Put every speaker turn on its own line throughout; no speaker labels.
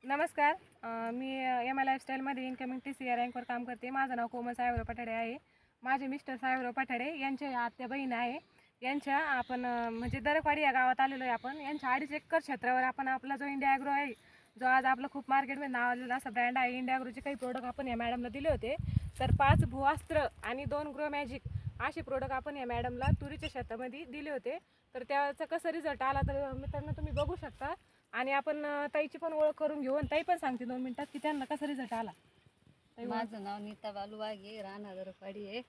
नमस्कार. मी M I लाईफस्टाईलमध्ये इन्कमिंग TCA रँकवर काम करते. माझं नाव कोमल साहेबराव पठाडे आहे. माझे मिस्टर साहेबराव पठाडे यांचे आत्या बहीण आहे. यांच्या आपण म्हणजे दरकवाडी या गावात आलेलो आहे. आपण यांच्या 2.5 एकर क्षेत्रावर आपण आपला जो इंडिया ॲग्रो आहे, जो आज आपलं खूप मार्केटमध्ये नाव आलेला असा ब्रँड आहे, इंडिया ॲग्रोचे काही प्रोडक्ट आपण या मॅडमला दिले होते. तर 5 भूअस्त्र आणि 2 ग्रो मॅजिक असे प्रोडक्ट आपण या मॅडमला तुरीच्या शेतामध्ये दिले होते. तर त्याचा कसा रिझल्ट आला तर मित्रांनो तुम्ही बघू शकता. आणि आपण ताईची पण ओळख करून घेऊ आणि ताई पण सांगते 2 मिनिटात की त्यांना कसा रिझल्ट आला.
माझं नाव नीता बालू वाघे, राहणार दरकवाडी आहे.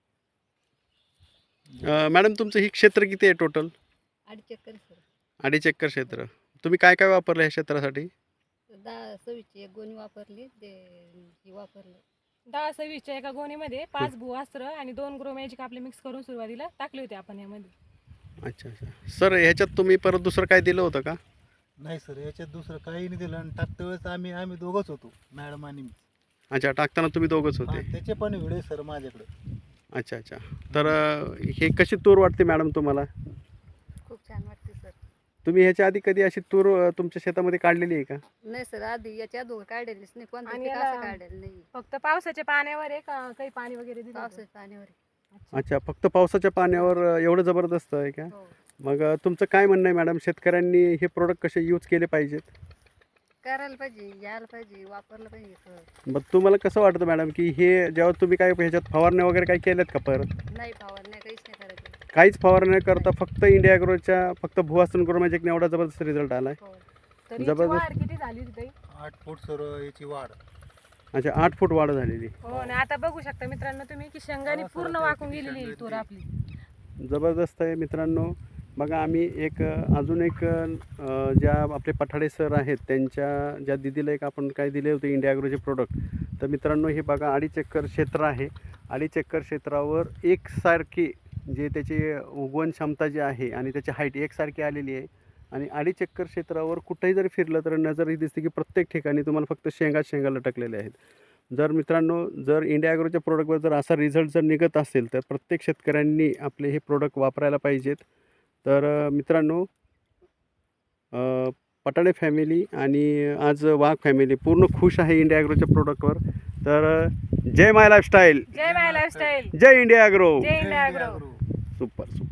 मॅडम तुमचं ही क्षेत्र किती आहे टोटल?
2.5 acre sir.
2.5 एकर क्षेत्र. तुम्ही काय काय वापरलं ह्या क्षेत्रासाठी?
10-26 एक गोणी वापरली, ते ही वापरलं.
10-26च्या एका गोणीमध्ये 5 भूअस्त्र आणि 2 ग्रो मॅजिक आपले मिक्स करून सुरुवातीला टाकले होते आपण यामध्ये.
अच्छा अच्छा. सर ह्याच्यात तुम्ही परत दुसरं काय दिलं होतं का?
नाही सर, याच्यात दुसरं काही नाही दिलं. आणि टाकते वेळेस आम्ही दोघंच होतो, मॅडम आणि मी.
अच्छा, टाकताना तुम्ही दोघंच होते.
त्याचे पण व्हिडिओ सर माझ्याकडे.
अच्छा अच्छा. तर हे कशी तूर वाटते मॅडम तुम्हाला?
खूप छान वाटते सर.
तुम्ही ह्याच्या आधी कधी अशी तूर तुमच्या शेतामध्ये काढलेली आहे का?
नाही सर, आधी याच्या अगोदर काढलेलीच नाही, कोणतं
आणि
पीक
याला-
असं काढलेलं नाही.
फक्त पावसाच्या पाण्यावर आहे का काही पाणी वगैरे दिलं होतं?
पावसाच्या पाण्यावर.
अच्छा, फक्त पावसाच्या पाण्यावर एवढं जबरदस्त आहे का?
हो,
मग तुमचं काय म्हणणं आहे मॅडम, शेतकऱ्यांनी हे प्रोडक्ट कसे यूज केले पाहिजेत?
करायला पाहिजे, यायला पाहिजे, वापरलं पाहिजे सर.
मग तुम्हाला कसं वाटतं मॅडम की हे जेव्हा तुम्ही काय ह्याच्यात फवारण्या वगैरे काय केल्यात का परत?
नाही फवारण्या काहीच नाही करायचं.
काहीच फवारणी करता फक्त इंडिया ॲग्रोच्या फक्त भुवासन ग्रो मॅजिकने एवढा जबरदस्त रिझल्ट आला आहे.
हो.
तर याची
जबरदस्त.
वाढ किती झाली होती ताई?
8 फूट सर याची वाढ.
अच्छा, 8 फूट वाढ झालेली.
हो. आणि आता बघू शकता मित्रांनो तुम्ही की शेंगाने पूर्ण वाकून गेलेली आहे तूर आपली.
जबरदस्त आहे मित्रांनो. बघा आम्ही एक अजून एक ज्या आपले पठाडे सर आहेत त्यांच्या ज्या दिदीला एक आपण काय दिले होते इंडिया ॲग्रोचे प्रोडक्ट. तर मित्रांनो हे बघा 2.5 एकर क्षेत्र आहे. 2.5 एकर क्षेत्रावर एकसारखी जे त्याची उगवण क्षमता जी आहे आणि त्याची हाईट एकसारखी आलेली आहे. आणि 2.5 एकर क्षेत्रावर कुठेही जरी फिरलं तर नजर ही दिसते की प्रत्येक ठिकाणी तुम्हाला फक्त शेंगा लटकलेले आहेत. जर मित्रांनो जर इंडिया ॲग्रोच्या प्रोडक्टवर जर असा रिझल्ट जर निघत असेल तर प्रत्येक शेतकऱ्यांनी आपले हे प्रोडक्ट वापरायला पाहिजेत. तर मित्रांनो पठाडे फॅमिली आणि आज वाघ फॅमिली पूर्ण खुश आहे इंडिया ॲग्रोच्या प्रोडक्टवर. तर जय माय लाईफस्टाईल,
जय माय लाईफस्टाईल,
जय इंडिया ॲग्रो.
जय इंडिया ॲग्रो.
Super super.